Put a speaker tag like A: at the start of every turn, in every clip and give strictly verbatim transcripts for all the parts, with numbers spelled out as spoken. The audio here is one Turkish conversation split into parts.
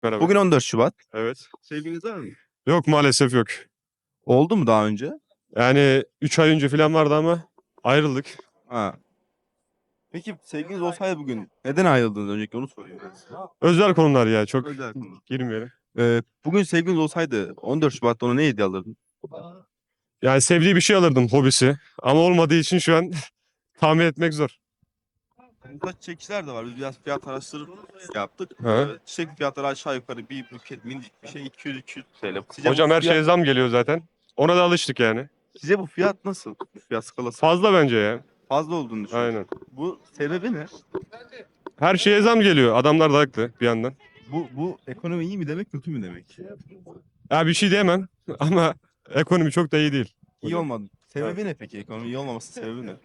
A: Merhaba.
B: Bugün on dört Şubat.
A: Evet.
B: Sevgiliniz var mı?
A: Yok maalesef yok.
B: Oldu mu daha önce?
A: Yani üç ay önce falan vardı ama ayrıldık.
B: Ha. Peki sevgiliniz olsaydı bugün neden ayrıldınız? Öncelikle onu soruyorum.
A: Özel konular ya çok
B: Özel konu.
A: girmeyelim.
B: Ee, bugün sevgiliniz olsaydı on dört Şubat'ta ona ne hediye alırdın?
A: Yani sevdiği bir şey alırdım, hobisi. Ama olmadığı için şu an tahmin etmek zor.
B: Burada çiçekçiler de var. Biz biraz fiyat araştırıp yaptık.
A: Ha.
B: Ee, çiçek fiyatları aşağı yukarı bir buket minicik bir şey iki yüz iki yüz T L. Sizce
A: Hocam
B: bu
A: her
B: fiyat,
A: şeye zam geliyor zaten. Ona da alıştık yani.
B: Size bu fiyat nasıl? Bu fiyat skalası
A: Fazla bence ya.
B: fazla olduğunu düşünüyorum.
A: Aynen.
B: Bu sebebi ne?
A: Her şeye zam geliyor. Adamlar da haklı bir yandan.
B: Bu bu ekonomi iyi mi demek, kötü mü demek?
A: Ya bir şey diyemem ama ekonomi çok da iyi değil.
B: İyi olmadı. Sebebi ne peki? Ekonomi iyi olmaması sebebi ne?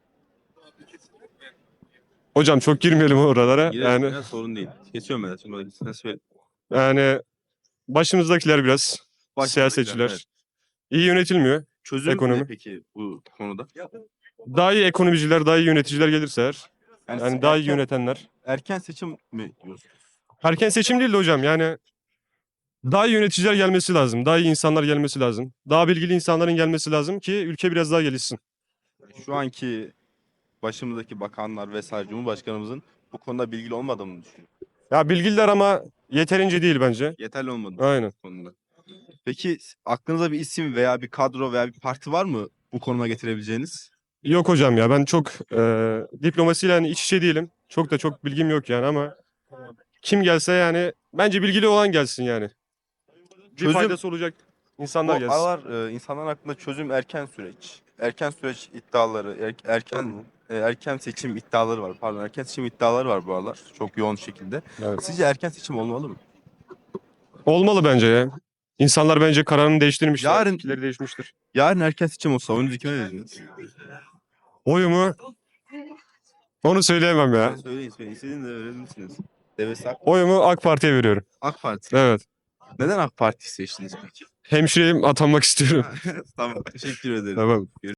A: Hocam çok girmeyelim oralara.
B: Girelim
A: Yani
B: ya, sorun değil. Kesiyorum ben. Şimdi sen söyle.
A: yani başımızdakiler biraz
B: Başımızdakiler,
A: siyasetçiler
B: evet.
A: iyi yönetilmiyor.
B: Çözüm
A: Ekonomi.
B: ne peki bu konuda?
A: Daha iyi ekonomiciler, daha iyi yöneticiler gelirse eğer,
B: Yani,
A: yani daha iyi
B: erken,
A: yönetenler.
B: erken seçim mi diyorsun?
A: Erken seçim değil de hocam yani daha iyi yöneticiler gelmesi lazım. Daha iyi insanlar gelmesi lazım. Daha bilgili insanların gelmesi lazım ki ülke biraz daha gelişsin.
B: Şu anki başımızdaki bakanlar vesaire Cumhurbaşkanımızın bu konuda bilgili olmadığını düşünüyorum.
A: Ya bilgililer ama yeterince değil bence.
B: Yeterli olmadığını
A: Aynen.
B: bu konuda. Peki aklınıza bir isim veya bir kadro veya bir parti var mı bu konuma getirebileceğiniz?
A: Yok hocam ya ben çok e, diplomasiyle hani iç içe değilim. Çok da çok bilgim yok yani ama kim gelse yani bence bilgili olan gelsin yani. Bir
B: Çözüm-
A: faydası olacak insanlar
B: Bu
A: gelsin.
B: aralar e, insanlar hakkında çözüm erken süreç. Erken süreç iddiaları, er- erken e, erken seçim iddiaları var. Pardon, erken seçim iddiaları var bu aralar. Çok yoğun şekilde.
A: Evet.
B: Sizce erken seçim olmalı mı?
A: Olmalı bence ya. İnsanlar bence kararını değiştirmişler.
B: Yarın-
A: Fikirleri değişmiştir.
B: Yarın erken seçim olsa oyunuzu kime verirsiniz?
A: Oyumu onu söyleyemem ya.
B: Söyleyin söyleyin. İstediğinizi de verebilirsiniz. Devesi AK,
A: Oyumu AK Parti'ye veriyorum.
B: AK Parti.
A: Evet.
B: Neden AK Parti seçtiniz peki?
A: Hemşireyim atanmak istiyorum.
B: Tamam. Teşekkür ederim.
A: Tamam.